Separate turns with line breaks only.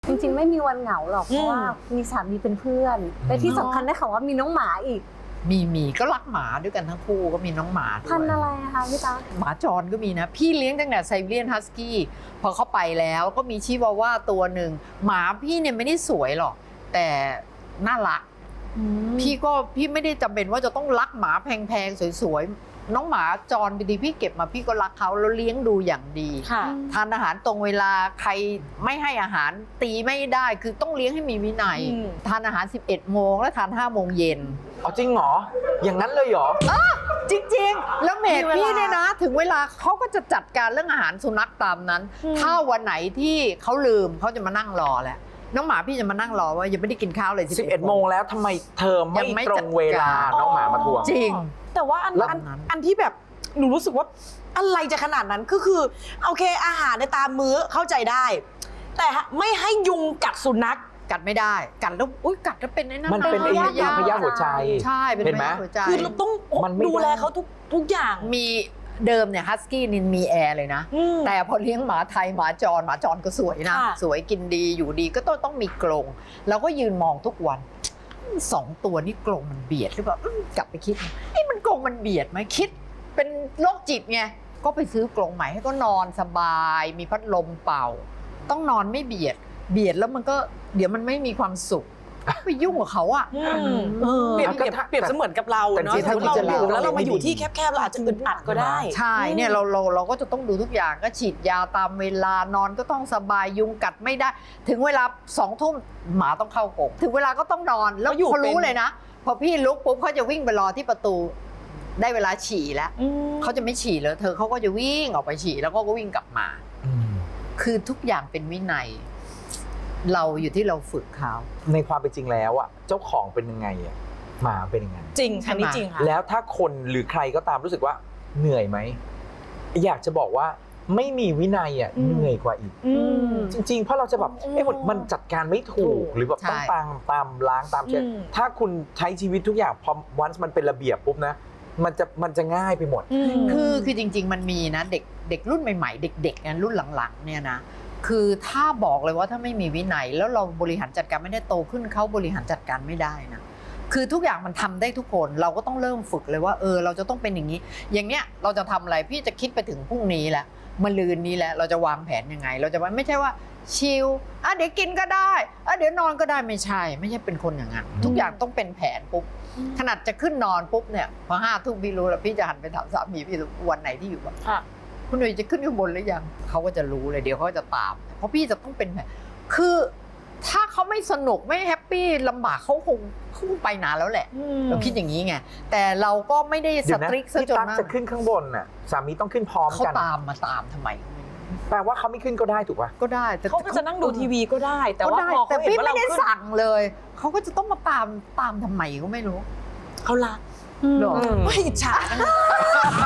จริงๆไม่มีวันเหงาหรอกเพราะว่ามีสามีเป็นเพื่อนและที่สำคัญได้ข่าวว่ามีน้องหมาอีก
มีก็รักหมาด้วยกันทั้งคู่ก็มีน้องหมาด้วย
พันธุ์อะไรนะคะพี่ตา
หมาจรก็มีนะพี่เลี้ยงตั้งแต่ไซบีเรียนฮัสกี้พอเข้าไปแล้วก็มีชิวาว่าตัวหนึ่งหมาพี่เนี่ยไม่ได้สวยหรอกแต่น่ารักพี่ไม่ได้จำเป็นว่าจะต้องรักหมาแพงๆสวยๆน้องหมาจรดีๆพี่เก็บมาพี่ก็รักเขาแล้วเลี้ยงดูอย่างดีทานอาหารตรงเวลาใครไม่ให้อาหารตีไม่ได้คือต้องเลี้ยงให้มีวินัยทานอาหาร 11 โมงแล้วทาน 5 โมงเย็น
เอาจริงเหรออย่างนั้นเลยเหรอ
จริงๆแล้วเมดพี่เนี่ยนะถึงเวลาเขาก็จะจัดการเรื่องอาหารสุนัขตามนั้นถ้าวันไหนที่เขาลืมเขาจะมานั่งรอแหละน้องหมาพี่จะมานั่งรอว่ายังไม่ได้กินข้าวเลย
11 โมงแล้วทำไมเธอไม่ตรงเวลาน้องหมามาทวง
จริง
แต่ว่าอันที่แบบหนูรู้สึกว่าอะไรจะขนาดนั้นคือโอเคอาหารในตามมื้อเข้าใจได้ แต่ไม่ให้ยุงกัดสุนัข
กัดไม่ได้กัดแล้วกัดแล้วเป็นไอ้นั่น
มันเป็นพยาธิหัวใจ
ใช่เป็นพยาธิหัวใจ
คือเราต้องดูแลเขาทุกอย่าง
มีเดิมเนี่ยฮัสกี้นินมีแอร์เลยนะแต่พอเลี้ยงหมาไทยหมาจรก็สวยนะสวยกินดีอยู่ดีก็ต้องมีกรงเราก็ยืนมองทุกวัน2 ตัวนี่กรงมันเบียดหรือเปล่ากลับไปคิดมันกรงมันเบียดไหมคิดเป็นโรคจิตไงก็ไปซื้อกรงใหม่ให้ก็นอนสบายมีพัดลมเป่าต้องนอนไม่เบียดแล้วมันก็เดี๋ยวมันไม่มีความสุขไปยุ่งกับเขาอ่ะ
เปรียบเสมือนกับเราเนาะเราอยู่แล้วเรามาอยู่ที่แคบๆเราอาจจะอึดอัดก็ได้
ใช่เนี่ยเราก็จะต้องดูทุกอย่างก็ฉีดยาตามเวลานอนก็ต้องสบายยุงกัดไม่ได้ถึงเวลา20 ทุ่มหมาต้องเข้ากรงถึงเวลาก็ต้องนอนแล้วเขารู้เลยนะพอพี่ลุกปุ๊บเขาจะวิ่งไปรอที่ประตูได้เวลาฉี่แล้วเขาจะไม่ฉี่เลยเขาก็จะวิ่งออกไปฉี่แล้วก็วิ่งกลับมาคือทุกอย่างเป็นวินัยเราอยู่ที่เราฝึกเขา
ในความเป็นจริงแล้วอ่ะเจ้าของเป็นยังไงอ่ะหมาเป็นยังไง
จริงอันนี้จริงค่ะ
แล้วถ้าคนหรือใครก็ตามรู้สึกว่าเหนื่อยไหมอยากจะบอกว่าไม่มีวินัยอ่ะเหนื่อยกว่าอีกจริงๆเพราะเราจะแบบมันจัดการไม่ถูกหรือแบบต้องตามล้างตามเช็ดถ้าคุณใช้ชีวิตทุกอย่างพอวันมันเป็นระเบียบปุ๊บนะมันจะง่ายไปหมด
คือจริงๆมันมีนะเด็กรุ่นใหม่ๆเด็กๆนะรุ่นหลังๆเนี่ยนะคือถ้าบอกเลยว่าถ้าไม่มีวินัยแล้วเราบริหารจัดการไม่ได้โตขึ้นเขาบริหารจัดการไม่ได้นะคือทุกอย่างมันทำได้ทุกคนเราก็ต้องเริ่มฝึกเลยว่าเราจะต้องเป็นอย่างนี้อย่างเนี้ยเราจะทำอะไรพี่จะคิดไปถึงพรุ่งนี้แหละมะรืนนี้แหละเราจะวางแผนยังไงเราจะไม่ใช่ว่าชิลเดี๋ยวกินก็ได้เดี๋ยวนอนก็ได้ไม่ใช่เป็นคนอย่างนั้นทุกอย่างต้องเป็นแผนปุ๊บขนาดจะขึ้นนอนปุ๊บเนี่ยพอ5 ทุ่มพี่รู้แล้วพี่จะหันไปถามสามีพี่วันไหนที่อยู่บ้างคุณหนุ่ยจะขึ้นข้างบนหรือยังเขาก็จะรู้เลยเดี๋ยวเขาจะตามเพราะพี่จะต้องเป็นแบบคือถ้าเขาไม่สนุกไม่แฮปปี้ลำบากเขาคงไปนานแล้วแหละเราคิดอย่างนี้ไงแต่เราก็ไม่ได้สตริกซะจนมาก
จะขึ้นข้างบนน่ะสามีต้องขึ้นพร้อมกัน
เขาตามทำไม
แปลว่าเขาไม่ขึ้นก็ได้ถูกป่ะ
ก็ได้
แต่เขาก็จะนั่งดูทีวีก็ได้แต่ว่าพอเขาเห็นว่าเราขึ้น
ไม่ได้สั่งเลยเขาก็จะต้องมาตามทำไมก็ไม่รู้
เขารัก
หรอ
ไม่อิจฉา